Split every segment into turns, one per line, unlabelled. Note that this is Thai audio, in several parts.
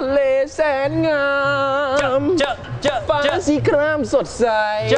เลแสนงามฟ้าสีครามสดใส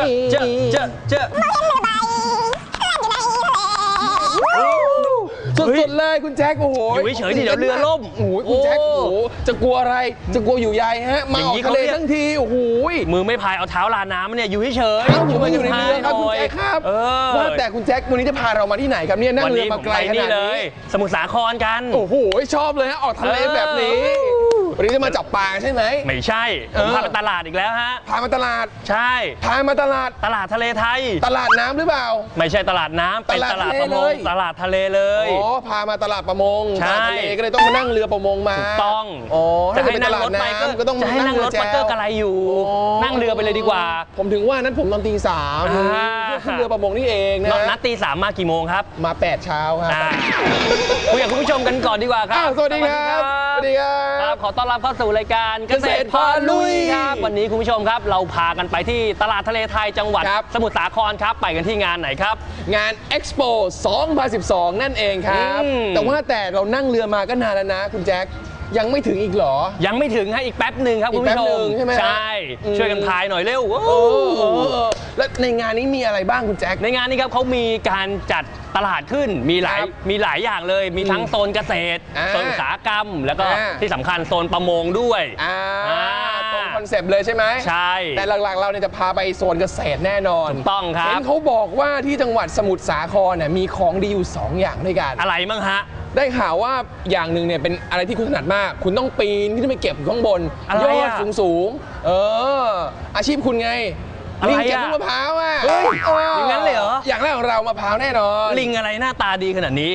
สุดๆเลยคุณแจ็คโอ้โห
อยู่เฉยๆดิเดี๋ยวเรือล่ม
โอ้โหคุณแจ็คโอ้โหจะกลัวอะไรจะกลัวอยู่ใยฮะมาออกทะเลทั้งทีโอ้โห
มือไม่พายเอาเท้าลาน้ำเนี่ยอยู่เฉย
ๆผมมาอยู่ในเรือครับคุณแจ็คครับว่าแต่คุณแจ็ควันนี้จะพาเรามาที่ไหนครับเนี่ยนั่งเรือมาไกลขนาดนี้
สมุทรสาครกัน
โอ้โหชอบเลยฮะออกทะเลแบบนี้วันนี้จะมาจับปลาใช่ไหม
ไม่ใช่ผมพาไปตลาดอีกแล้วฮะ
พามาตลาด
ใช่
พามาตลาด
ทะเลไทย
ตลาดน้ำหรือเปล่า
ไม่ใช่ตลาดน้ำเป็นตลาดประมงตลาดทะเลเลย
อ๋อพามาตลาดประมงทะเลก็เลยต้องมานั่งเรือประมงมา
ถูกต้อง
อ๋อ
จะให้นั่งรถไปก็ต้องจะให้นั่งรถไปก็กระไรอยู่นั่งเรือไปเลยดีกว่า
ผมถึงว่านั้นผมนอนตี 3เพื่อขึ้นเรือประมงนี่เองนะ
นัดตี 3มากี่โมงครับ
มา8 เช้าครับ
คุยกับคุณผู้ชมกันก่อนดีกว่าครับ
สวัสดีครับสวัสดี
ครับขอต้อนรับเข้าสู่รายการเกษตรพาลุยครับวันนี้คุณผู้ชมครับเราพากันไปที่ตลาดทะเลไทยจังหวัดสมุทรสาครครับไปกันที่งานไหนครับ
งาน Expo 2012 นั่นเองครับแต่ว่าแต่เรานั่งเรือมาก็นานแล้วนะคุณแจ็คยังไม่ถึงอีกเหรอ
ยังไม่ถึงให้อีกแป๊บหนึ่งครับคุณผู้ชม
ใช่ไหม
ใช่ช่วยกันพายหน่อยเร็ว
แล้วในงานนี้มีอะไรบ้างคุณแจ็ค
ในงานนี้ครับเขามีการจัดตลาดขึ้นมีหลายอย่างเลยมีทั้งโซนเกษตรโซนอุตสาหกรรมแล้วก็ที่สำคัญโซนประมงด้วย
ตรงคอนเซปต์เลยใช่ไหม
ใช่
แต่หลักๆเราเนี่ยจะพาไปโซนเกษตรแน่นอน
ถูกต้องครับ
เห็นเขาบอกว่าที่จังหวัดสมุทรสาครเนี่ยมีของดีอยู่2อย่างด้วยกัน
อะไรบ้างฮะ
ได้ข่าวว่าอย่างหนึ่งเนี่ยเป็นอะไรที่คุณถนัดมากคุณต้องปีนขึ้นไปเก็บข้างบนยอดสูงอาชีพคุณไงลิงเก็บลูกมะพร้าวอ่ะ
อย่างนั้นเลยเหรอ
อย่างแรกของเรามะพร้าวแน่นอน
ลิงอะไรหน้าตาดีขนาดนี้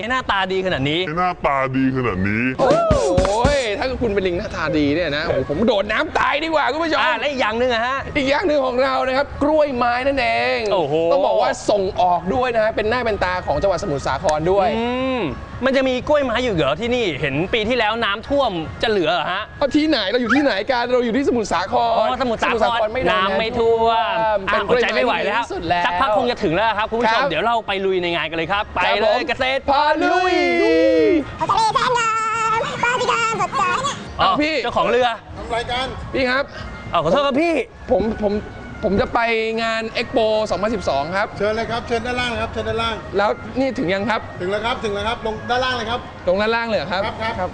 โอ้ยถ้าคุณเป็นลิงหน้าตาดีเนี่ยนะผมโดดน้ำตายดีกว่าคุณผู้ชม
และอีกอย่างหนึ่งอะฮะ
อีกอย่างหนึ่งของเรานะครับกล้วยไม้นั่นเองต้องบอกว่าส่งออกด้วยนะเป็นหน้าเป็นตาของจังหวัดสมุทรสาครด้วย
มันจะมีกล้วยไม้อยู่เหรอที่นี่เห็นปีที่แล้วน้ำท่วมจะเหลือฮะ
ที่ไหนเราอยู่ที่ไหนกันเราอยู่ที่สมุทรสาคร
สมุทรสาครน้ำไม่ท่วมอดใจไม่ไหวแล้วสักพักคงจะถึงแล้วครับคุณผู้ชมเดี๋ยวเราไปลุยในงานกันเลยครับไปเลยเกษตร
พาลุย
ทะเลแสนงามฟ้าสีครามสดใส
พี่
เจ้าของเรือ
ทำรายการพี่ครับ
ขอโทษครับพี่
ผมจะไปงาน Expo 2012 ครับ
เชิญเลยครับเชิญด้านล่างครับเชิญด้านล่าง
แล้วนี่ถึงยังครับ
ถึงแล้วครับลงด้านล่างเลยครับ
ลงด้านล่างเลยครับ
ครับ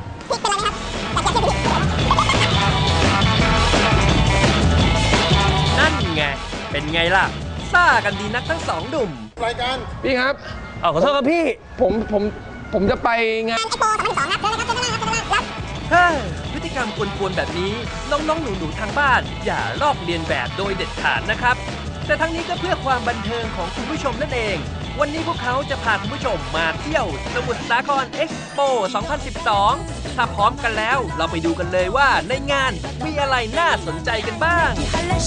นั่นไงเป็นไงล่ะซ่ากันดีนักทั้งสองหนุ่ม
รายการ
พี่ครับ
ขอโทษครับพี่
ผมจะไปงาน
Expo 2012 ครับเชิญเลยครับ
พฤติกรรมกวนๆแบบนี้น้องๆหนูๆทางบ้านอย่าลอกเลียนแบบโดยเด็ดขาดนะครับแต่ทั้งนี้ก็เพื่อความบันเทิงของคุณผู้ชมนั่นเองวันนี้พวกเขาจะพาคุณผู้ชมมาเที่ยวสมุทรสาคร Expo 2012 ถ้าพร้อมกันแล้วเราไปดูกันเลยว่าในงานมีอะไรน่าสนใจกันบ้าง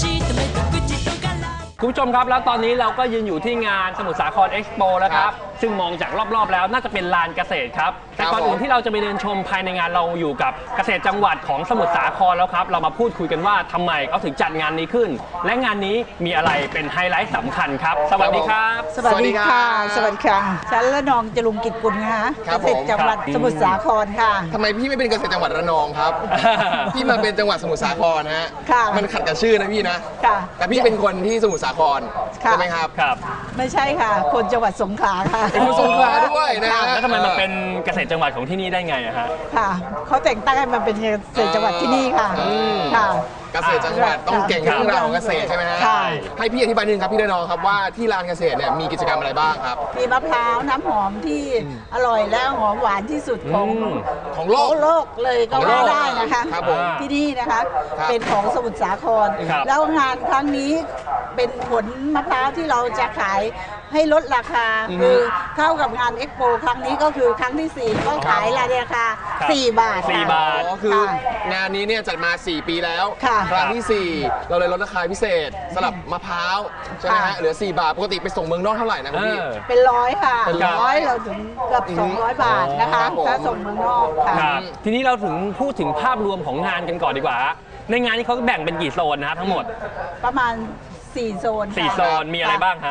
คุณผู้ชมครับแล้วตอนนี้เราก็ยืนอยู่ที่งานสมุทรสาคร Expo แล้วครับซึ่งมองจากรอบๆแล้วน่าจะเป็นลานเกษตรครับแต่ก่อนอื่นที่เราจะไปเดินชมภายในงานเราอยู่กับเกษตรจังหวัดของสมุทรสาครแล้วครับเรามาพูดคุยกันว่าทำไมเขาถึงจัดงานนี้ขึ้นและงานนี้มีอะไรเป็นไฮไลท์สำคัญครับสวัสดีครับ
สวัสดีค่ะฉันละนองจรุงกิจกุลค่ะเกษตรจังหวัดสมุทรสาครค่ะ
ทำไมพี่ไม่เป็นเกษตรจังหวัดระนองครับพี่มาเป็นจังหวัดสมุทรสาครฮะมันขัดกับชื่อนะพี่นะแต่พี่เป็นคนที่สมุทรสาครใช่ไหมครับ
ไม่ใช่ค่ะคนจังหวัดสงขลาค่ะ
เป็นคนสงขลาด้วยนะ
แล้วทำไมมาเป็นเกษตรจังหวัดของที่นี่ได้ไงอะฮะ
ค่ะเขาแต่งตั้งให้มาเป็นเกษตรจังหวัดที่นี่ค่ะ
เกษตรจังหวัดต้องเก่งเรื่องราวของเกษตรใช่ไหมฮะให้พี่อธิบายนิดนึงครับพี่ระนองครับว่าที่ลานเกษตรเนี่ยมีกิจกรรมอะไรบ้างครับ
มีมะพร้าวน้ำหอมที่อร่อยและหอมหวานที่สุดของโลกเลยก็ว่าได้นะคะที่นี่นะคะเป็นของสมุทรสาครแล้วงานครั้งนี้เป็นผลมะพร้าวที่เราจะขายให้ลดราคาคือเข้ากับงานเอ็กโปครั้งนี้ก็คือครั้งที่4ก็ขายราคา4 บาท
ก็คืองานนี้เนี่ยจัดมา4 ปีแล้วครั้งที่4เราเลยลดราคาพิเศษสำหรับมะพร้าวใช่ไหมฮะเหลือ4 บาทปกติไปส่งเมืองนอกเท่าไหร่นะพี่
เป็น100ค่ะ100เราถึงเกือบ200 บาทนะคะถ้าส่งเมืองนอกค่ะ
ทีนี้เราถึงพูดถึงภาพรวมของงานกันก่อนดีกว่าในงานนี้เขาแบ่งเป็นกี่โซนนะทั้งหมด
ประมาณ4 โซน
4 โซนมีอะไรบ้างฮะ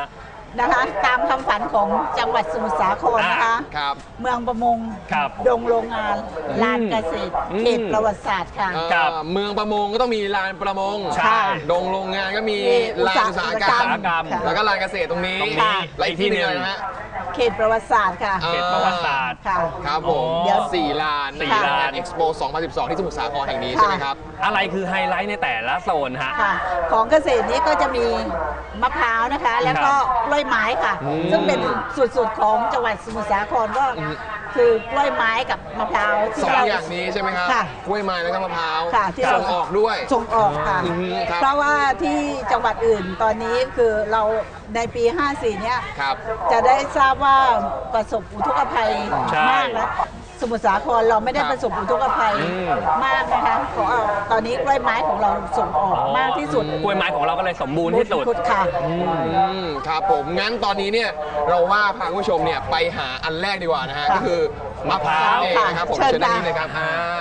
นะคะตามคำฝันของจังหวัดสมุทรสาครนะคะ
ครับ
เมืองประมง
ครับ
ดงโรงงานลานเกษตรเขตประวัติศาสตร์ค่ะ
ครับ
เมืองประมงก็ต้องมีลานประมง
ใช่
ดงโรงงานก็มีลานอุตสาหกรร
อุตสาหกรร
ม
มค่ะ
แล้วก็ลานเกษตรตรงนี้
ตรงนี้
และอีกที่หนึงอะไรนะฮะ
เขตประวัติศาสตร์ค่ะ
เขตประวัติศาสตร์
ค่ะ
ครับผม
อ๋อ
เดี๋ยว4 ลาน
สี่ลาน
เอ็กซ์โป2012 ที่สมุทรสาครแห่งนี้ใช่ไหมครับ
อะไรคือไฮไลท์ในแต่ละโซนฮะ
ค่ะ ของเกษตรนี้ก็จะมีมะพร้าวนะคะ แล้วก็กล้วยไม้ค่ะ ซึ่งเป็นสุดๆของจังหวัดสมุทรสาครก็คือกล้วยไม้กับมะพร้าวที่
สอง
เรา
อย่างนี้ใช่ไหมครับ
ค่ะ
กล้วยไม้แล้วก็มะพร้าว
ค่ะที่เรา
ส่งออกด้วย
ส่งออกค่ะ
อืมครับ
เพราะว่าที่จังหวัดอื่นตอนนี้คือเราในปี 54 เนี่ย
ครับ
จะได้ทราบว่าประสบอุทกภัย
ใช่
มากนะสมุทรสาครเราไม่ได้
ครับ
ประสบอุทกภัยมากนะคะขอเอาตอนนี้กล้วยไม้ของเราส่งออกมากที่สุด
กล้วยไม้ของเราก็เลยสมบูรณ์ที่สุด
ค่ะ
ครับผมงั้นตอนนี้เนี่ยเราว่าพาคุณผู้ชมเนี่ยไปหาอันแรกดีกว่านะฮะ
ค่ะ
ก็คือมะพร้าวเอง
ค่ะ
นะครับผม
เชิญ
เชิญด้านนี้
ค่ะ
เลยครับ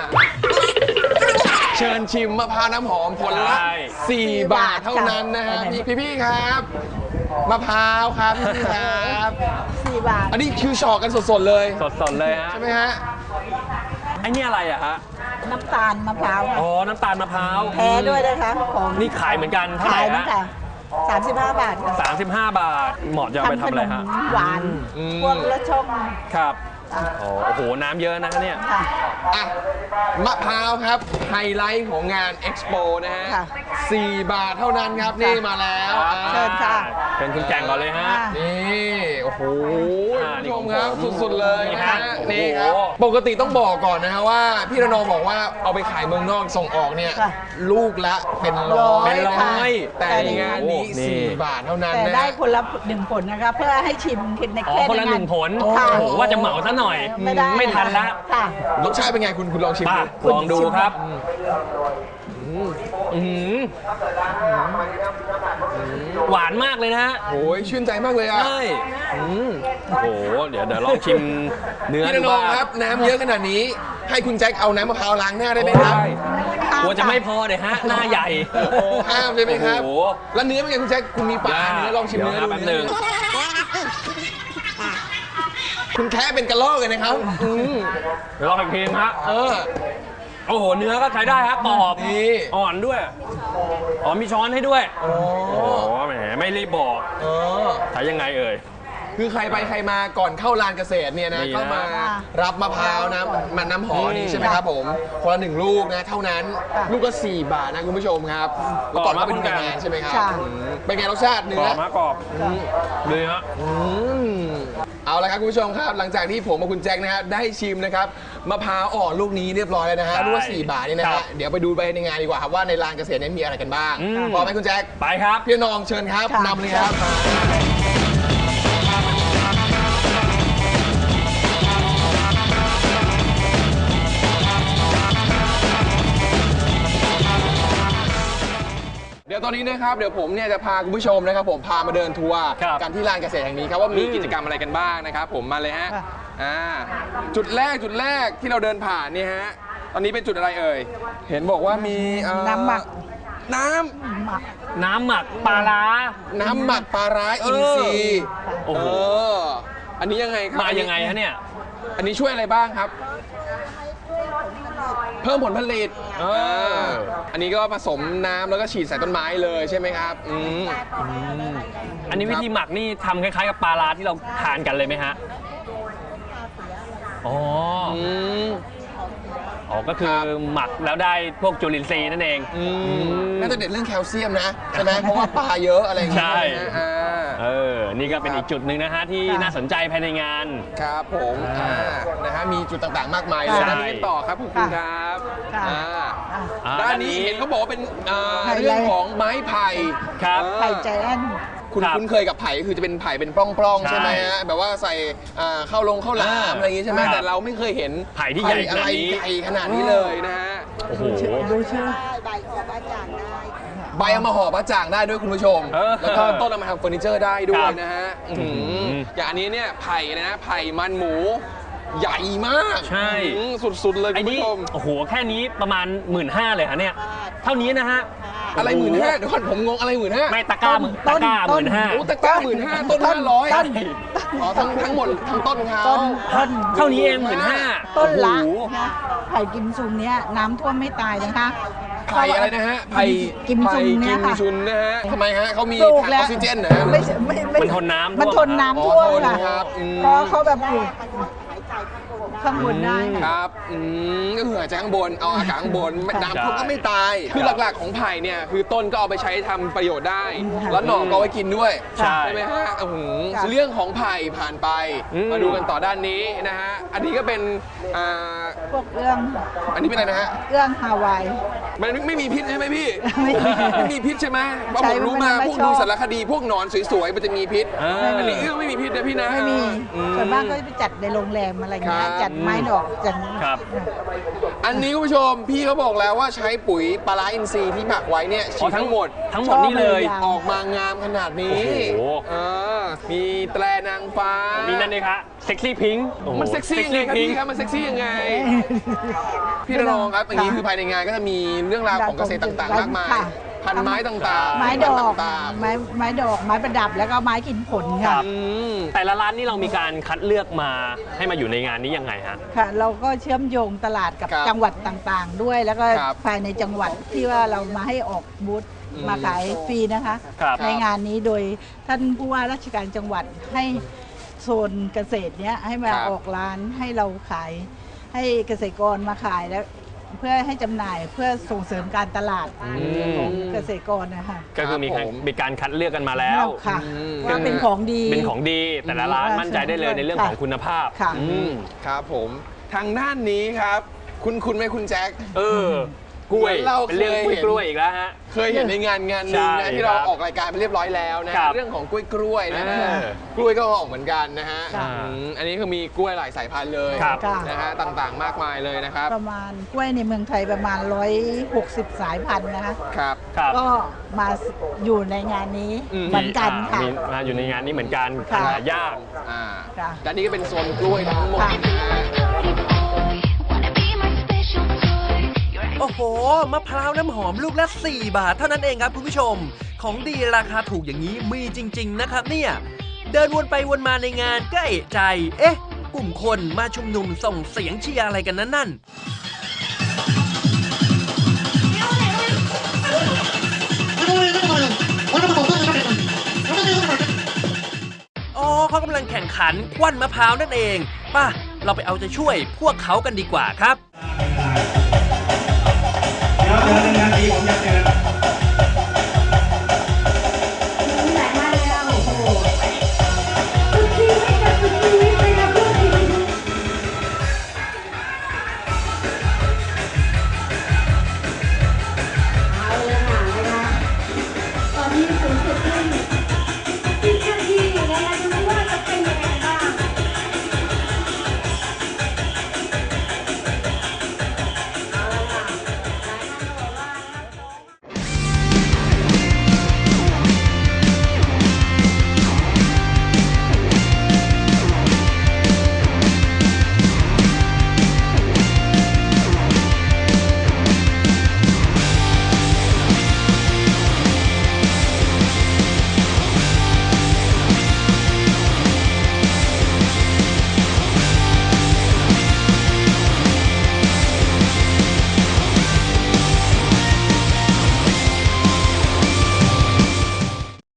เชิญชิมมะพร้าวน้ำหอมผลละ
ใช่
4 บาทเท่านั้นนะฮะ
ค่ะ
พี่ๆครับมะพร้าวครับพี่ๆครับ
4 บาท
อันนี้คือชอกกันสดๆเลย
สดๆเลยฮะ
ใช่ไหมฮะ
ไอ้นี่อะไรอะฮะ
น้ำตาลมะพร้าว
อ๋อ น้ำตาลมะพร้าว
แท้ด้วยนะคะของ
นี่ขายเหมือนกันเท่าไห
ขา
ร่
ยนะ
ฮะ
คะ35 บาทค่ะ
35 บาท เหมาะจะเอาไปทำอะไรฮะ
ขนมหวาน
อืม
พวกละช่อง
ครับ
ค่ะ
โอ้โห น้ำเยอะนะเนี่ย
ค่ะ
อ่ะมะพร้าวครับไฮไลท์ของงานเอ็กซ์โปนะฮะ
ค่ะ
4 บาทเท่านั้นครับนี่มาแล้ว
เชิญค่ะ
เป็นคุณแกงก่อนเลยฮะ
อ่า
นี่โอ้โห
อ่า
คุณผู้ชมครับ
นี่ของผม
สุดๆเลยนะฮะ
นี่
นี่
ฮะ
ครับ
โอ้โห
ปกติต้องบอกก่อนนะฮะว่าพี่ระนองบอกว่าเอาไปขายเมืองนอกส่งออกเนี่ย
ค่ะ
ลูกละเป็นร้อย
เป็นร้อย
แต่ในงานนี้
โอ้นี่
4 บาทเท่านั้น
แต่
นะ
ได้คนละ1 ผลนะคะ เพื่อให้ชิมใน
อ๋อ
แค่
คนละ
ใงา
หนึ่งผล
ค่ะ
โอ้โหว่าจะเหมาซะหน่อย
ไม่ได้
ไม่ทันละ
ค่ะ
รสชาติเป็นไงคุณลองชิม
ป่ะ
ดู
ลองดูครับอื้อหือหวานมากเลยนะฮะ
โอ้ยชื่นใจมากเลยอ่ะ
ใช่โอ้โห เดี๋ยวลองชิมเนื้อ
พี่
ดู
ระนอง
บ้าง
ครับน้ำเยอะขนาดนี้ ให้คุณแจ็คเอาน้ำมะพร้าวล้างหน้าได้ไหมครับ
กลัวจะไม่พอเลยฮะ หน้าใหญ่
ห้ามใช่ไหมครับ
โอ้โห
แล้วเนื้อเป็นไงคุณแจ็คคุณมีปลาเนื้อลองชิมเนื้อ
ดี๋ยว
ดู
แป๊บหนึง
คุณแค่เป็นกระลอกเลยนะครับ
เดี๋ยวลองอีกทีฮะ
เออ
โอ้โห เนื้อก็ใช้ได้ฮะกรอบ
นี่
อ่อนด้วย อ๋อมีช้อนให้ด้วย
โอ้
โอ้โหแหมไม่รีบบอก
เออ
ใช้ยังไงเอ่ย
คือใครไปใครมาก่อนเข้าลานเกษตรเนี่ยนะ
นี่นะ
ก็มารับมะพร้าวนะมันน้ำหอมนี่ใช่ไหมครับผมคนละ1 ลูกนะเท่านั้น ลูกละ4 บาทนะคุณผู้ชมครับแล้วก่อนเข้าไปดูงานใช่ไหมครับ
ค่ะ
เป็นไงรสชาติ
ก
เนื้
ร
อ
อบมากกรอบเนื้อ
เอาละครับคุณผู้ชมครับ หลังจากที่ผมกับคุณแจ็คนะครับได้ชิมนะครับมะพร้าวอ่อนลูกนี้เรียบร้อยแล้วนะฮะ
ใช่
ลูกละ4 บาทนี่นะ
ครั
ฮะ
บ
เดี๋ยวไปดูไปในงานดีกว่าครับว่าในลานเกษตรนี้มีอะไรกันบ้าง
อืม
พร้อมไหมคุณแจ็ค
ไปครับ
พี่น้องเชิญครับ
ค่ะ
นำเลยครับเดี๋ยวตอนนี้นะครับเดี๋ยวผมเนี่ยจะพาคุณผู้ชมนะครับผมพามาเดินทัวร์
ครับ
กันที่ลานเกษตรแห่งนี้ครับว่ามีกิจกรรมอะไรกันบ้างนะครับผมมาเลยฮะ
ค่ะ
จุดแรกที่เราเดินผ่านเนี่ยฮะตอนนี้เป็นจุดอะไรเอ่ยเห็นบอกว่ามี
น้ำหมัก
น้ำ
หมัก
น้ำหมักปลาร้า
น้ำหมักปลาร้าอินทรีย์
โอ้โห
อันนี้ยังไงครับ
มายังไงฮะเนี่ย
อันนี้ช่วยอะไรบ้างครับ เพิ่มผลผลิตอันนี้ก็ผสมน้ำแล้วก็ฉีดใส่ต้นไม้เลยใช่ไหมครับ
อันนี้วิธีหมักนี่ทำคล้ายๆกับปลาร้าที่เราทานกันเลยไหมฮะ อ๋อ อ๋อ ก็คือหมักแล้วได้พวกจุลินทรีย์นั่นเอง
น่าจะเด็ดเรื่องแคลเซียมนะใช่ไหมเพราะว่าปลาเยอะอะไรอย่างเงี้ย
ใช่
นะฮะ
นี่ก็เป็นอีกจุดหนึ่งนะฮะที่
ค่ะ
น่าสนใจภายในงาน
ครับผมนะฮะมีจุดต่างๆ มากมายเลย
ค่ะ
ด้านนี้ต่อครับขอบคุณครับ
ค่ะ
ด้านนี้เห็นเขาบอกว่าเป็น
ไฮไลท์
เรื่องของไม้ไผ่
ครับ
ไข่ใจแอน
คุณ
ครับ
คุ้นเคยกับไผ่ก็คือจะเป็นไผ่เป็นปล้องๆ
ใช่
ใช่ไหมฮะแบบว่าใส่ข้าวหลามอะไรอย่างงี้ใช่ไหม
ครับ
แต่เราไม่เคยเห็น
ไผ่ที่ใหญ่ขนาดนี้
ใหญ่ขนาดนี้เลยนะฮะ
โอ้โห
ดูชื่อ
ใบเอามาห่อปลาจ่างได้ด้วยคุณผู้ชม แล้วก็ต้นเอามาทำเฟอร์นิเจอร์ได้ด้วยนะฮะอย่างอันนี้เนี่ยไผ่เลยนะไผ่มันหมูใหญ่มาก
ใช่
สุดๆเลย
ไอ้
คุณ
นี่
ผู้ชม
โอ้โห แค่นี้ประมาณ 15,000เลยฮะเนี่ย เท่านี้นะฮะ
อะไร15,000เดี๋ยวก่อนผมงงอะไร15,000
ไม่ตะกร้าหมื่นตะกร้าหมื่นห้า
โอ้ตะกร้า15,000ต้น500อ๋อทั้งหมดทั้งต้นเขา
ต้น
เท่านี้เอง15,000
ต้นละ
โอ้โห
นะไผ่กิมซุงเนี้ยน้ำท่วมไม่ตายนะคะ
ไผ่อะไรนะฮะไผ่
กิมซุงเนี่ยค่ะ
ไผ่กิมซุนนะฮะทำไมฮะเขามี
ปลูก
ถังอ
แล้ว
อกซิเจนนะฮะ
ไม่ใช่ไม่
มันทนน้ำท่วม
มันทนน้ำท่วม
อ๋อทน
ค่ะ
ครับอืม
เพราะเขาแบบปลูกข้างบนได้
ค
ค่ะ
รับก็คือหายใจข้างบนเอาอากาศข้างบนน้ำท่วมก็ไม่ตาย คือหลักๆของไผ่เนี่ยคือต้นก็เอาไปใช้ทำประโยชน์ได้ แล้วหน่อก็เอาไว้กินด้วย
ใช่
ไหมฮะ
ค่ะ
เรื่องของไผ่ผ่านไป มาดูกันต่อด้านนี้นะฮะอันนี้ก็เป็น
พวกเรื่อง
อันนี้เป็นอะไรนะฮะ
เรื่องฮาวาย
มันไม่มีพิษใช่ไหมพี่
ไม่มี
ไม่มีพิษใช่ไหมเพราะ
ใช่
ผมรู้มา
มันไม่
พวก
ชอบ
ดูสารคดีพวกหนอนสวยๆมันจะมีพิษ อันนี้
เออ
ไม่มีพิษนะพี่นะ
ไม่มี
อืม
ส่วนมากก็จะไปจัดในโรงแรมอะไรเงี้
ครั
ย
บ
จัดไม้ดอกจัด
ครับ
อันนี้คุณผู้ชมพี่เขาบอกแล้วว่าใช้ปุ๋ยปลาร้าอินทรีย์ที่หมักไว้เนี่ยฉีดทั้งหมด
ทั้งหมดนี่เลย
ชอบเลย
ออกมางามขนาดนี้
โอ้โห
มีแตรนางฟ้า
มีนั่นเลยครับเซ็กซี่พิงค์
มันเซ็กซี่ยังไงครับพี่ครับมันเซ็กซี่ยังไง พี่ระนองครับอย่างนี้คือภายในงานก็จะมีเรื่องราวของเกษตรต่างๆมากมาย
ค่ะ
พันไม้ต่างๆ
ไม้ดอก
ต่าง
ไม้ดอกไม้ประดับแล้วก็ไม้กินผลค่ะ
ๆอืม
แต่ละร้านนี่เรามีการคัดเลือกมาให้มาอยู่ในงานนี้ยังไงฮะ
ค่ะ เราก็เชื่อมโยงตลาดกับ
ครับ
จังหวัดต่างๆ ด้วย แล้วก็
ครับ
ภายในจังหวัดที่ว่าเรามาให้ออกบูธมาขายฟรีนะคะ
ครับ
ในงานนี้โดยท่านผู้ว่าราชการจังหวัดให้โซนเกษตรเนี้ยให้มา
ครับ
ออกร้านให้เราขาย ให้เกษตรกรมาขายแล้วเพื่อให้จำหน่ายเพื่อส่งเสริมการตลาดของเกษตรกรนะคะ
ก็คือมี
ครับผม
มีการคัดเลือกกันมาแล้ว
ค่ะ
อืม
ว่าเป็นของดี
เป็นของดีแต่ละร้านมั่นใจได้เลยในเรื่องของคุณภาพ
ค่ะ
อืม
ครับผมทางด้านนี้ครับ คุณไหมคุณแจ็ค
กล้วย
เรา
เป็นเรื่อง
เคยเห็น
กล้วยอีกแล้วฮะ
เคยเห็นในงานหนึ่ง
ใช่
นะที่เรา
ครับ
ออกรายการไปเรียบร้อยแล้วนะครับ เรื่องของกล้วยนะฮะ
อ่าก
ล้วยก็ออกเหมือนกันนะฮะ
ค่ะ
อันนี้คือมีกล้วยหลายสายพันธุ์เลย
ครับ
นะฮะต่างๆ มากมายเลยนะครับ
ประมาณกล้วยในเมืองไทยประมาณ 160 สายพันธุ์นะคะ
ครับ
ครับ
ก็มาอยู่ในงานนี้
อืม
เหมือนกันค่ะ
มีมาอยู่ในงานนี้เหมือนกัน
ค่ะ
หายาก
อ่า
ค่ะ
และนี่ก็เป็นโซนกล้วยทั้งหมด
ค่ะ
นะฮะ
โอ้โห มะพร้าวน้ำหอมลูกละ 4 บาทเท่านั้นเองครับคุณผู้ชม ของดีราคาถูกอย่างนี้มีจริง ๆ นะครับเนี่ย เดินวนไปวนมาในงานก็เอะใจ เอ๊ะ กลุ่มคนมาชุมนุมส่งเสียงเชียร์อะไรกันนั่น อ๋อเขากำลังแข่งขันควันมะพร้าวนั่นเอง ป่ะ เราไปเอาใจช่วยพวกเขากันดีกว่าครับ